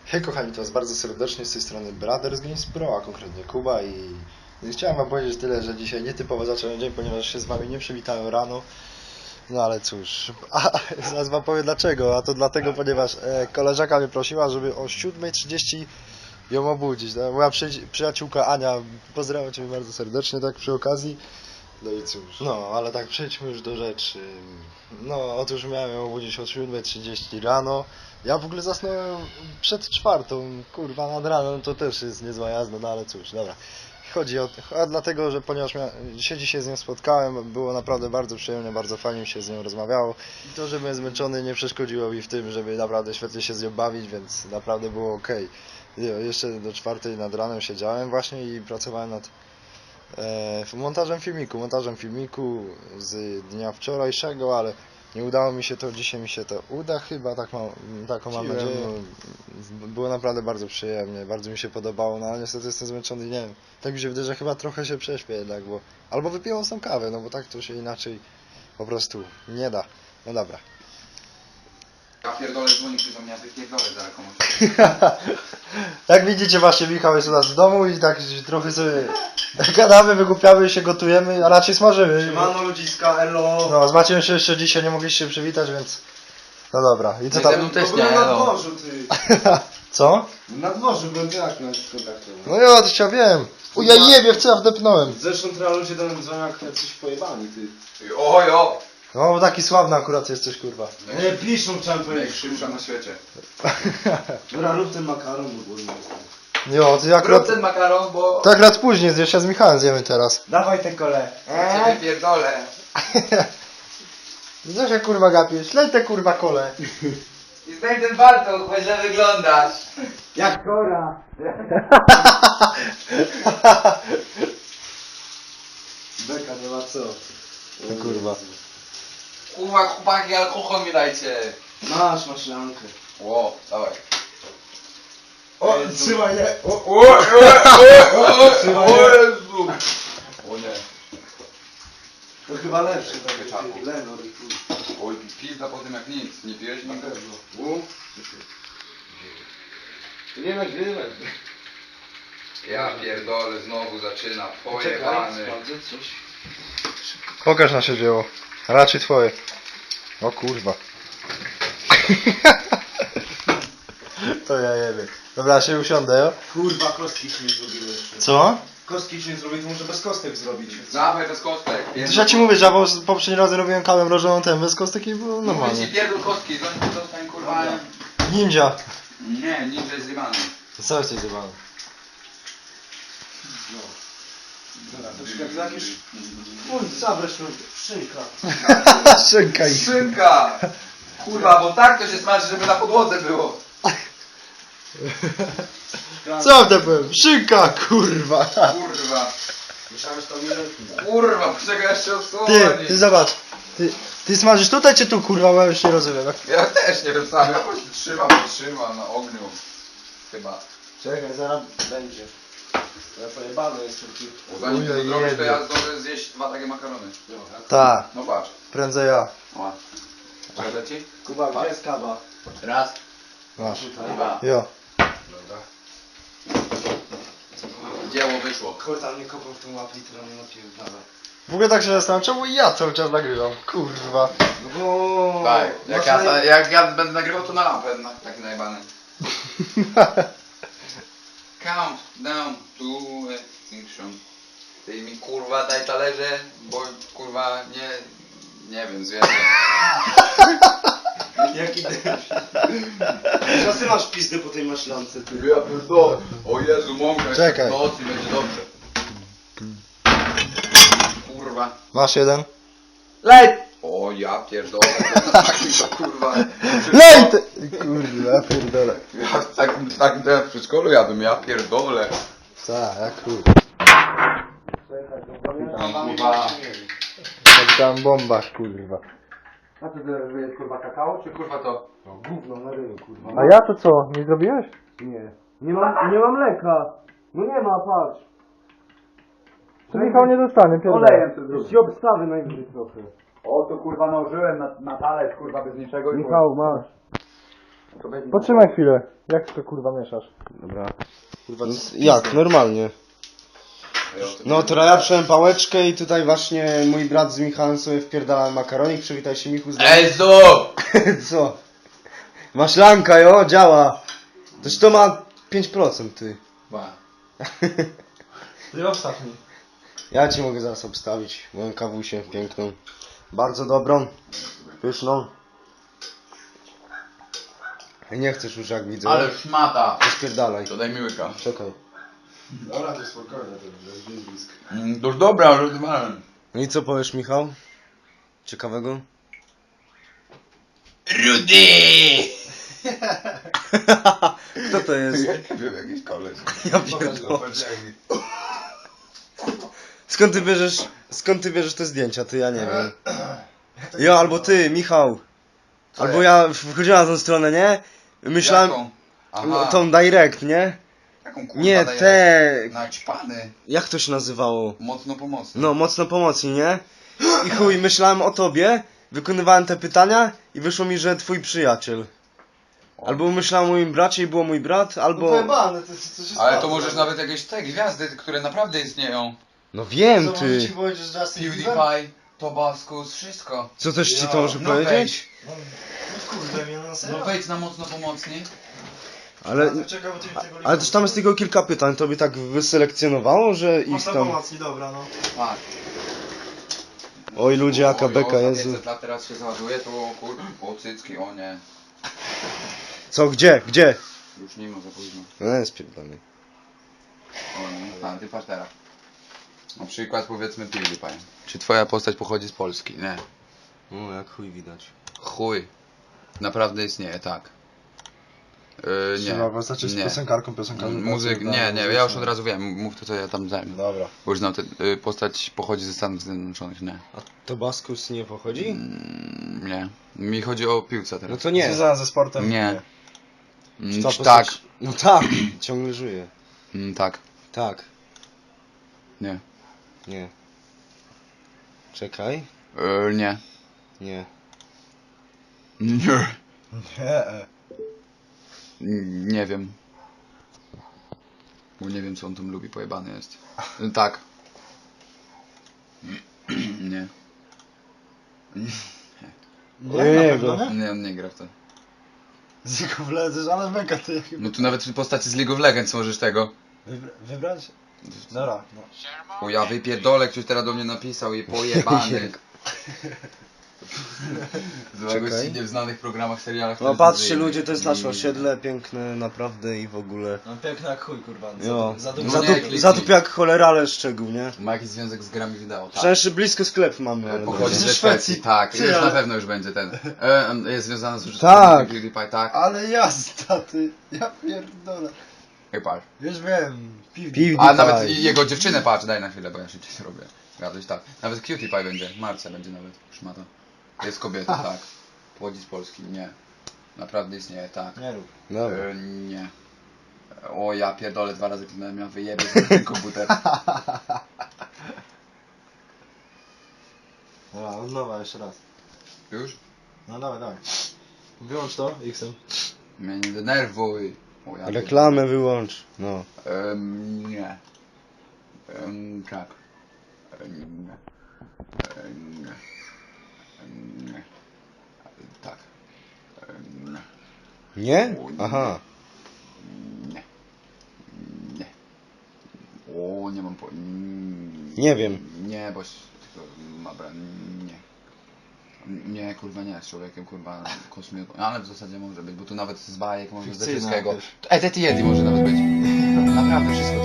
Hej kochani, to was bardzo serdecznie z tej strony Brothers Games Pro, a konkretnie Kuba i chciałem wam powiedzieć tyle, że dzisiaj nietypowo zacząłem dzień, ponieważ się z wami nie przywitałem rano. No ale cóż, zaraz wam powiem dlaczego, a to dlatego, ponieważ koleżanka mnie prosiła, żeby o 7:30 ją obudzić. No, moja przyjaciółka Ania, pozdrawiam cię bardzo serdecznie tak przy okazji. No i cóż, no ale tak przejdźmy już do rzeczy. No otóż miałem ją obudzić o 7:30 rano. Ja w ogóle zasnąłem przed 4:00, kurwa nad ranem to też jest niezła jazda, no ale cóż, dobra. Chodzi o a dlatego, że ponieważ się dzisiaj z nią spotkałem, było naprawdę bardzo przyjemnie, bardzo fajnie mi się z nią rozmawiało. I to, że byłem zmęczony nie przeszkodziło mi w tym, żeby naprawdę świetnie się z nią bawić, więc naprawdę było ok. Jeszcze do 4:00 nad ranem siedziałem właśnie i pracowałem nad montażem filmiku z dnia wczorajszego, ale nie udało mi się to, dzisiaj mi się to uda chyba, taką mam nadzieję. Było naprawdę bardzo przyjemnie, bardzo mi się podobało, no ale niestety jestem zmęczony, nie wiem, tak mi się wydaje, że chyba trochę się prześpię jednak, bo albo wypiję tą kawę, no bo tak to się inaczej po prostu nie da. No dobra. Ja pierdolę dzwoni, że do mnie, ja wypierdolę zaraz komuś. Jak widzicie, właśnie Michał jest u nas w domu i tak trochę sobie gadamy, wygłupiamy się, gotujemy, a raczej smażymy. Siemano ludziska, elo! No, z Maciem się jeszcze dzisiaj nie mogliście się przywitać, więc... No dobra, i co No i ze tam? mną też Byłem nie, na no. dworzu, ty! Co? Na dworzu byłem, jak miałeś kontaktować? No ja to ja wiem. O ja jebie, w co ja wdepnąłem. Zresztą teraz ludzie do mnie dzwonią, jak coś pojebani, ty. Ojo! No, bo taki sławny akurat jesteś, kurwa. Nie, piszą, chciałem powiedzieć. Najszybsza na świecie. Dobra, rób ten makaron, bo głodny jestem. Jo, to akurat... Rób ten makaron, bo... To akurat później zjesz, ja z Michałem zjemy teraz. Dawaj te kole. Ja cię wypierdolę. Co się kurwa gapisz? Lej te kurwa kole. I zdaj ten warto, bo źle wyglądasz. Jak kora! Beka, nie ma co. O kurwa. Kurwa, chłopaki, alkohol mi dajcie. Masz maślankę. Ło, dawaj. O, trzymaj je! O Jezu! O nie. To chyba lepsze, tak Pieczaku. Lenor i chuj. Oj, pizda po tym jak nic. Nie pijesz Na nic? pewno. Nie nagrywaj. Ja pierdolę, znowu zaczyna. Pojebany. sprawdzę coś. Pokaż nasze dzieło. Raczej twoje. O kurwa. To ja jebie. Dobra, się usiądę, jo? Kurwa, kostki ci nie zrobiły jeszcze. Co? Kostki ci nie zrobiły, to może bez kostek zrobić. Dawaj bez kostek. To ja ci mówię, że ja poprzednim razem robiłem kawę mrożoną ten bez kostek i było Mówię normalnie. ci pierdol kostki, zostań kurwa. Ninja. Nie, ninja jest zjebany. Co jesteś zjebany? Dobra, to jak jakieś... Uj, zabrać mi szynka. Szynka i... Szynka! Kurwa, bo tak to się smaży, żeby na podłodze było. Co to powiem? Szynka, kurwa. Kurwa. Myślałem, że to nie Kurwa, poczekaj jeszcze Ty odsłonić. zobacz. Ty smażysz tutaj czy tu, kurwa, bo ja już nie rozumiem. Ja też nie wiem sam, ja po prostu trzymam na ogniu. Chyba. Czekaj, zaraz będzie. Ja pojebany jestem tu. Bo zanim ty to Ujej, zrobisz, to ja jebie. zdążę zjeść 2 takie makarony. Tak, No patrz. prędzej ja. O. Czekaj ci? Kuba, gdzie jest kaba? Raz. Masz. Dwa. Jo. Dobra. Dzieło wyszło. Kurde, nie kopał w tą łapę i tyle nie napierdala. W ogóle tak się zastanawiam, czemu ja cały czas nagrywam? Kurwa. No bo... Tak, masz jak ja będę nagrywał, to na lampę taki najebany. Count down to extinction. Ty mi kurwa daj talerze, bo kurwa nie wiem, zjedzę. Jaki Teraz ty masz pizdę po tej maślance, ty. Ja pierdolę. O Jezu, mąka Czekaj. do nocy będzie dobrze. Kurwa. Masz jeden? Lej! O ja pierdolę. Taki to kurwa. Lej ty! Kurwa, pierdolę. Ja takim to ja w przedszkolu jadłem, ja pierdolę. Tak, jak chuj. Tam kurwa. Jak tam bombach, kurwa. A ty jest kurwa kakao, czy Kurwa to. No gówno na ryju, kurwa. A ja to co? Nie zrobiłeś? Nie. Nie mam mleka. No nie ma, patrz. To Michał nie dostanie, pierdolę. to zrobię. Ci obstawy najwyżej trochę. O to kurwa nałożyłem na talerz kurwa bez niczego i Michał, masz. Potrzymaj chwilę. Jak to kurwa mieszasz? Dobra. Kurwa, Jak? Normalnie. No to ja przyjąłem pałeczkę i tutaj właśnie mój brat z Michałem sobie wpierdalałem makaronik. Przywitaj się Michu z Ezu! Co? Maślanka, jo, działa. Toż to ma 5% ty. Ty obstaw mi. Ja ci mogę zaraz obstawić moją kawusię piękną. Bardzo dobrą. Pyszną. Nie chcesz już jak widzę. Ale szmata. To spierdalaj. To daj mi łyka. Czekaj. Dobra, to spokojnie, to jest blisko. To już dobra, rozwalałem. No i co powiesz, Michał? Ciekawego? Rudy! Kto to jest? Wiem, jakiś koleś. Ja pierdolę. Skąd ty bierzesz te zdjęcia? Ty, ja nie wiem. Jo, albo ty, Michał. Albo ja wchodziłem na tą stronę, nie? Myślałem, Jaką? no, Aha. tą direct, nie? Jaką kurwa Nie, daje? te... Naćpany. Jak to się nazywało? Mocno pomocny. No, mocno pomocni, nie? I chuj, myślałem o tobie, wykonywałem te pytania i wyszło mi, że twój przyjaciel. Albo myślałem o moim bracie i było mój brat, albo... Pojebane, to się Ale to możesz nawet jakieś te gwiazdy, które naprawdę istnieją. No wiem, Co, może ci ty. powiedzieć, że Justin Bieber? PewDiePie, Tobaskus, wszystko. Co też ci Ja, to może No powiedzieć? No kurde, mnie na serio? No wejdź na mocno pomocni. Ale... Czekaj, bo ty mi tego Ale też tam jest tylko kilka pytań, to by tak wyselekcjonowało, że ich Mocno tam... pomocni, dobra, no. Tak. Oj ludzie, jaka Oj, beka, za Jezu. 500 lat teraz się załaduje, to kur... O cycki, o nie. Co, gdzie? Gdzie? Już nie ma za późno. No jest pierdolony. O nie. A, ty patrz teraz. Na przykład powiedzmy PewDiePie. Czy twoja postać pochodzi z Polski? Nie. O, jak chuj widać. Chuj. Naprawdę istnieje, tak. Trzeba postać jest piosenkarką, Muzyk, nie, ja już od razu wiem, mów to co ja tam zajmę. Dobra. Bo już znam, postać pochodzi ze Stanów Zjednoczonych, nie. A Tobaskus nie pochodzi? Nie. Mi chodzi o piłce No teraz. to nie. Związana ze sportem? Nie. Czy ta Tak. postać- No tak, ciągle żyje. Tak. Tak, Nie. nie. Czekaj. Nie. Nie. Nie. Nie. Nie wiem. Bo nie wiem co on tam lubi, pojebany jest. Tak. Nie. Nie, Nie, na pewno go. nie? Nie, on nie gra w to. Z League of Legends, ale mega to jak... No tu nawet w postaci z League of Legends możesz tego. Wybrać? Dobra, no. O ja wypierdolę, ktoś teraz do mnie napisał i pojebany. Z Czekaj. w znanych programach, serialach. No patrzcie ludzie, to jest nasze osiedle, piękne naprawdę i w ogóle. No piękne jak chuj, kurwa. Jo. Za No dużo. nie, kliknij. Zatup jak cholera, ale szczegół, nie? Ma jakiś związek z grami wideo, tak. Przecież blisko sklep mamy, ale Pochodzi dobra. ze Szwecji, tak. Ty, Już ale- na pewno już będzie ten. Jest związany z Tak. użytkownikiem PewDiePie, tak. Ale jazda, ty. Ja pierdolę. Ej, patrz. Już wiem. PewDiePie. A nawet i jego dziewczynę patrz, daj na chwilę, bo ja szybciej to robię. Gadać tak. Nawet Cutie Pie będzie, Marcia będzie nawet, szmata. Jest kobieta, tak. Pochodzi z Polski, nie. Naprawdę istnieje, tak. Nie rób. Dobra. Nie. O ja pierdolę, 2 razy kliknąłem, ja wyjebie z ten komputer. Dobra, od nowa jeszcze raz. Już? No dawaj, dawaj. Wyłącz to, X-em. Mnie nie denerwuj. O, ja Reklamę wyłącz. No. Nie. Tak. Nie. Nie. Nie. Tak. Nie. Nie? Aha. Nie. Nie. O, nie mam po... Nie wiem. Nie, bo... tylko Dobra, nie. Nie, kurwa nie, z człowiekiem, kurwa, kosmią. Ale w zasadzie może być, bo tu nawet z bajek, może ze Fikcyjna wszystkiego. też. Ej, Teti Yeti może nawet być. Naprawdę wszystko